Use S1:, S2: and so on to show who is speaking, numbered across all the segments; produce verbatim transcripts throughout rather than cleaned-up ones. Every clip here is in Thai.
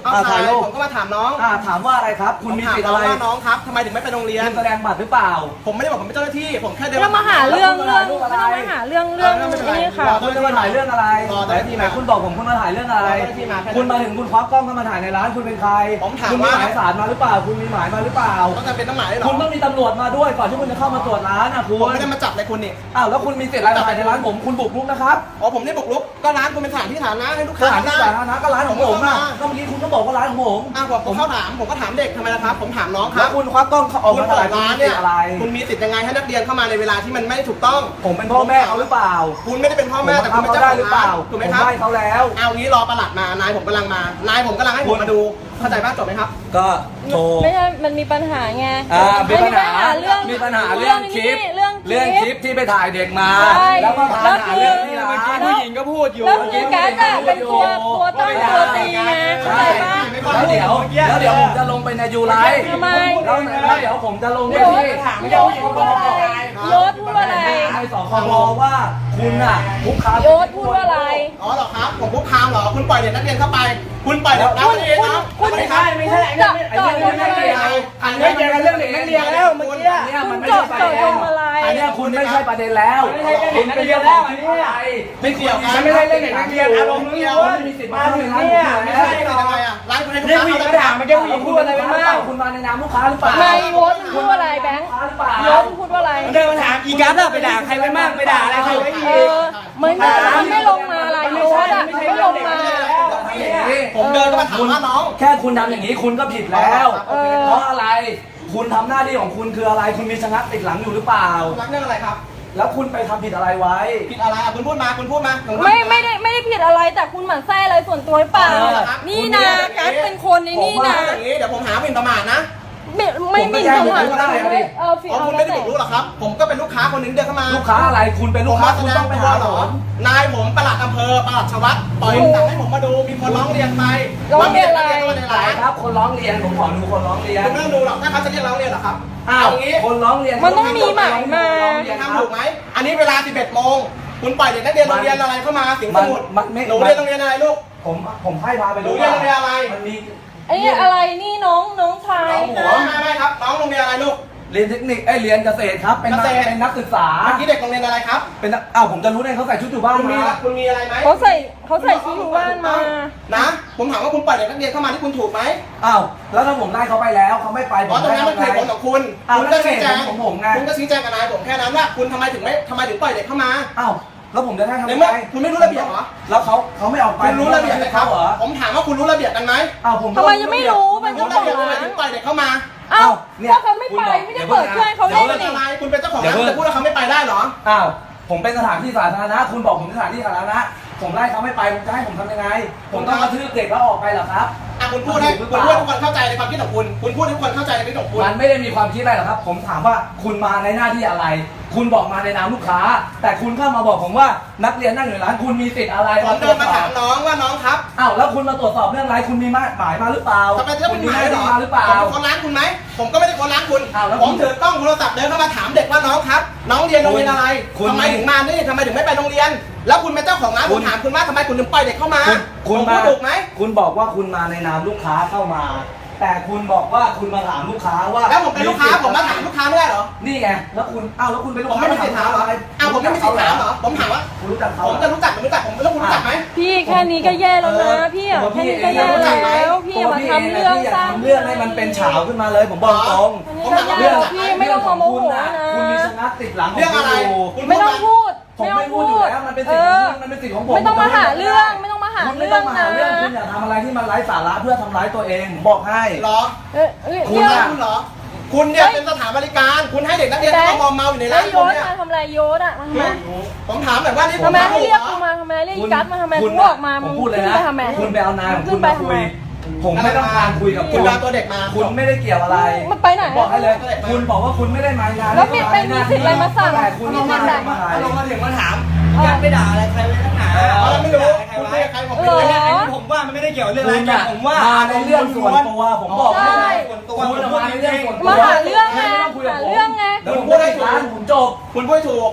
S1: เขาถ่ายผมก็มาถามน้อง
S2: อ่าถามว่าอะไรครับคุณมีสิทธิ์อะไร
S1: ว่าน้องครับทำไมถึงไม่ไปโรงเรียน
S2: คุณแสดงบัตรหรือเปล่า
S1: ผมไม่ได้บอกผมเป็นเจ้าหน้าที่ผมแค่เดิน
S3: มาหาเรื่องเรื่องไม่ต้องมาหาเรื่องเรื่องนี้ค่ะ
S2: คุณจะมาถ่ายเรื่องอะไรแต่ที่ไหนคุณบอกผมคุณมาถ่ายเรื่องอะไรคุณมาถึงคุณควักกล้องเข้ามาถ่ายในร้านคุณเป็นใคร
S1: ผมถาม
S2: คุณมี
S1: ว่า
S2: หมายสารมาหรือเปล่าคุณมีหมายมาหรือเปล่า
S1: ต้องจำเป็นต้องหมายหรอ
S2: คุณต้องมีตำรวจมาด้วยก่อนที่คุณจะเข้ามาตรวจร้านนะคุณ
S1: ผมไม่ได้มาจับเลยคุณนี่
S2: อ้าวแล้วคุณมีสิทธิ์อะไรถ่ายในร้านผมคุณบุกรุกนะครับ
S1: อ๋อผมไม่บุกรุกก็ร้านคุณเป็นสถานที่สาธารณะให้ลูกค้า
S2: สถานที่สาธารณะก็ร้านของผมนะก็เมื่อกี้คุณก็บอกว่าร้านของผม
S1: อ้าวผมเข้าถามผมก็ถามเด็กทำไมนะครับผมถามน้องครับ
S2: แล้วคุณควักกล้องออกมาถ่ายร้านเนี่ยอะไร
S1: คุณมีสิทธิ์ยังไงให้นักเรียนเข้ามาในเวลาที่มันไม่ถูกต้อง
S2: ผมเป็นพ่อแม่เขาหรือเปล่า
S1: คุณไม่ได้เป็นพ่อแม่แต่คุณเป็นเจ้าของร้านถูกไหมครับ
S2: ผมให้เขาแล้ว
S1: เอางี้รอประหลัดมานายผมกำลังมานายผมกำลังให้ผมมาดูเข้าใจป่ะจบไหมครับ
S2: ก็โชว์
S3: ไม่ใช่มันมีปัญหาไง
S2: อ่ามีปัญหา
S3: เรื่อง
S2: มีปัญหาเรื่องคลิป
S3: เรื่อง
S2: เรื่องคลิปที่ไปถ่ายเด็กมาแล้วก็พาหาเรื่องที่ร้าน
S1: ผู้หญิงก็พูดอยู่
S3: แล้วคือการแบบเป็นตัวตัวตั้งตัวตีไงเข้าใจป่ะ
S2: แล้วเดี๋ยวแล้วเดี๋ยวผมจะลงไปในยูไลฟ์
S3: ทำไม
S2: แล้วเดี๋ยวผมจะลงไปที่
S3: โยศพูดว่าอะไรโยศพูดว่าอะไร
S2: ในสคบว่าคุณอ่ะคุกคาม
S3: โยศพูดว่าอะไร
S1: อ๋อเหรอครับผมคุกคามเหรอคุณปล่อยเด็กนักเรียนเข้าไปคุณปล่อยเด็กนักเรียนนะ
S3: คุณ
S1: ไม่
S3: ใช่
S1: ไม่
S3: ใช่ไอ้
S1: เรื่อง
S3: เรื่อง
S1: นักเรียนอันนี้เจอกันเรื่องเด็กนักเรียนแล้วเมื่อกี้
S2: เนี่ยมันไม่ใช่ประเด็นอันนี้คุณไม่ใช่ประเด็นแล้วคุณเป็นเรื่องของที่อะไร
S1: ไม่เกี่ยวกัน
S2: ไม่ใช่เรื่องเด็กนักเรียนอารมณ์นี้ว่าไม่มีสิทธิ์มาถึงเนี่ยไม่ใช่
S1: ทำไมอ่ะร้านคุณให้ลูกค้า
S2: เขาถามมาแค่ผู้หญิงพูดอะไรไปบ้างคุณมาในนามลูกค้าหรือเปล่า
S3: ไม่โยศพูดว่าอะไรแบงค์โยศพูดว่าอะไร
S2: เดินมาถามอีกัสไปด่าใครไปบ้างไปด่าอะไรใครไปอีก
S3: เออไม่ไม่ไม่ลงมาอะไรโยศอ่ะไม่ลงมา
S1: ผมเดินก็มาถามว่าน้อง
S2: แค่คุณทำอย่างนี้คุณก็ผิดแล้วเพราะอะไรคุณทำหน้าที่ของคุณคืออะไรคุณมีชะงักติดหลังอยู่หรือเปล่า
S1: รักเรื่องอะไรครับ
S2: แล้วคุณไปทำผิดอะไรไว้
S1: ผิดอะไรอ่ะคุณพูดมาคุณพูดมา
S3: ไม่ไม่ได้ไม่ได้ผิดอะไรแต่คุณหมั่นไส้อะไรส่วนตัวหรือเปล่านี่นะการเป็นคนในนี่นะ
S1: อย่างนี้เดี๋ยวผมหาหมิ่นประมาทนะ
S3: ไม่ไม่หมิ่นประมาท
S1: เออคุณไม่ได้บุกรุกหรอครับผมก็เป็นลูกค้าคนหนึ่งเดินเข้ามา
S2: ลูกค้าอะไรคุณเป็นลูกค้าคุณต้องไปหาหร
S1: อนายผมปลัดอำเภอปลัดชวัตปล่อยสั่งให้ผมมาดูมีคนร้องเรียนไป
S3: ร้องเรียนอะไร
S2: ครับคนร้องเรียนผมขอดูคนร้องเรียน
S1: คุณไม่ต้องดูหรอกถ้าเขาจะเรียกร้องเรียนหรอครับ
S2: อ้าวคนร้องเรียน
S3: มันต้องมีหมายมา
S1: ทำถูกไหมอันนี้เวลาสิบเอ็ดโมงคุณปล่อยเด็กนักเรียนโรงเรียนอะไรเข้ามาสิงห์สมุทรหนูเรียนโรงเรียนอะไรลูก
S2: ผมผมให้พาไปดู
S1: เรียนโรงเรียนอะไร
S2: มันมี
S3: ไอ้อะไรนี่น้องน้องชาย
S1: น้องไม่ไม่ครับน้องโรงเรียนอะไรลูก
S2: เรียนเทคนิคไอเรียนเกษตรครับเป็นนักเป็นนักศึกษา
S1: เมื่อกี้เด็กโรงเรียนอะไรครับ
S2: เป็นอ้าวผมจะรู้ได้เขาใส่ชุดอยู่บ้าน
S1: มาคุณมีอะไรไหม
S3: เขาใส่เขาใส่ชุดอยู่บ้านมา
S1: นะผมถามว่าคุณปล่อยเด็กนักเรียนเข้ามาที่คุณถูกไหม
S2: อ้าวแล้วถ้าผมไล่เขาไปแล้วเขาไม่ไป
S1: ผมตรงนั้นมันเหตุผลของคุณคุณก็ชี้แจง
S2: ของผมไง
S1: คุณก็ชี้แจงกับนายผมแค่นั้นว่าคุณทำไมถึงไม่ทำไมถึงปล่อยเด็กเข้ามา
S2: อ้าวแล้วผมจะให้ทำไ
S1: งคุณไม่รู้ระเบียบเหรอ
S2: แล้วเขาเขาไม่ออกไป
S1: คุณรู้ระเบียบไหมครับผมถามว่าคุณรู้ระเบียบกันไหม
S2: อ้าวผม
S3: ทำไมยังไม่รู้เป็นเจ้าของ
S1: ร้านปล่อยเด็กเข้ามา
S3: อ้าวเพราะเขาไม่ไปไม่ได้เปิดเครื่องเขาเล่น
S1: นี่อะไรคุณเป็นเจ้าของร้านจะพูดว่าเขาไม่ไปได้เหรอ
S2: อ้าวผมเป็นสถานที่สาธารณะคุณบอกผมสถานที่สาธารณะผมไล่เขาไม่ไปจะให้ผมทำยังไงผมต้องกระทืบเด็กแล้วออกไปเหรอครับ
S1: อ่ะคุณพูดให้คุณพูดให้ทุกคนเข้าใจในความคิดของคุณคุณพูดให้ทุกคนเข้าใจในความคิดของคุณ
S2: มันไม่ได้มีความคิดอะไรหรอกครับผมถามว่าคุณมาในหน้าที่อะไรคุณบอกมาในนามลูกค้าแต่คุณเข้ามาบอกผมว่านักเรียนนั่งอยู่ร้านคุณมีสิทธิ์อะไร
S1: ผมเดินมาถามน้องว่าน้องครับ
S2: อ้าวแล้วคุณมาตรวจสอบเรื่องอะไรคุณมีหมายมาหรือเปล่า
S1: ทำไมจะเป็นหมายหรือเปล่าผมเป็นคนร้านคุณไหมผมก็ไม่ได้คนร้านคุณผมถือกล้องโทรศัพท์เดินเข้ามาถามเด็กว่าน้องครับน้องเรียนโรงเรียนอะไรทำไมถึงมานี่ทำไมถึงไม่ไปโรงเรียนแล้วคุณเป็นเจ้าของร้านผมถามคุณว่าทำไมคุณถึงปล่อยเด็กเข้ามา
S2: คุณ
S1: มาถูกไหม
S2: คุณบอกว่าคุณมาในนามลูกค้าเข้ามาแต่คุณบอกว่าคุณมาถามลูกค้าว่า
S1: แล้วผมเป็นลูกค้าผมมาถามลูกค้าไม่ได้เหรอ
S2: นี่ไงแล้วคุณอ้าวแล้วคุณเป็นลูกค้า
S1: ผมไม่มีสิทธิ์ถามเหรออ้าวผมไม่มีสิทธิ์ถามเหรอผมถามว่า
S2: คุณรู้จักเขา
S1: ผมจะรู้จักผมรู้จักผมแล้วคุณรู้จักไหม
S3: พี่แค่นี้ก็แย่แล้วนะพี่อ่ะแค่นี้ก็แย่แล้วพี่มาทำเรื่องสร้าง
S2: เรื่องให้มันเป็นเฉาขึ้นมาเลยผมบอกตรง
S3: เรื่องพี่ไม่ต้องโมโหนะ
S2: คุณมีชะงักติดหลัง
S1: เรื่องอะไร
S3: ไม่ต้องพูด
S2: ผมไม่พูดอยู่แล้วมันเป็นสิทธิ์ของคุณมันเป็นสิทธิ์ของผม
S3: ไม่ต้องมาหาเรื่องไม่ต้องมาหาเรื่องนะ
S2: คุณอย่าทำอะไรที่มันไร้สาระเพื่อทำร้ายตัวเองผมบอกให้
S1: เหรอคุณเหรอคุณเนี่ยเป็นสถานบริการคุณให้เด็กนักเรียนเข้ามอมเมาอยู่ในร้าน
S3: คุณเนี่ยทำอะไรโยนอ่ะทำไม
S1: ผมถามแบบว่านี่
S3: ทำไมให้เรียกกูมาทำไมเรียกกัสมาทำไมกูออกมามึงขึ้นไปทำไม
S2: คุณไปเอานายของคุณมาคุยผมไม่ต้องการคุยกับคุณ
S1: ตัวเด็กมา
S2: คุณไม่ได้เกี่ยวอะไร
S3: มันไปไหน
S2: บอกให้เลยคุณบอกว่าคุณไม่ได้มางาน
S3: แล้วมีเป็นมีสิทธิ์อะไรมาสั่ง
S2: คุณไม่ได้มา
S1: ลงมาถึงมาถามยันไปด่าอะไรใครเลยนักหนาไม่รู้คุณไม่ใครผมไม่รู้ผมว่ามันไม่ได้เกี่ยวเรื่องอะไรผมว่า
S2: มาในเรื่องส่วนตัวผมบอกว่า
S1: ส่วน
S2: ตัวคุณมาในเรื่องส่วนตัว
S3: มาหาเรื่องไงหาเรื่องไง
S2: คุณพูดให้ถูกผมจบ
S1: คุณพูดถูก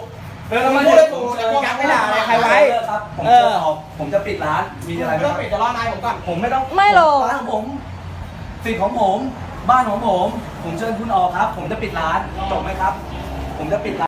S2: เออแล้วมัน
S1: พูดเลยถูก
S2: เอ
S1: แต่
S2: อ
S1: พวกไม่ด่าอะไรใครไว้
S2: ครับผม
S1: เอ
S2: จะ
S1: อ
S2: ออกผมจะปิดร้านมีอะไรไหม
S1: ไม่
S2: ค
S1: ต้อ
S2: รั
S1: ง
S2: บ
S1: ปิดจะรอนายผมก่อน
S2: ผมไม่ต้อง
S3: ไม่หรอก
S2: ร้านของผมสิทธิ์ของผมบ้านของผมผมเชิญคุณออกครับ ผมจะปิดร้านจบไหมครับ ผมจะปิดร้าน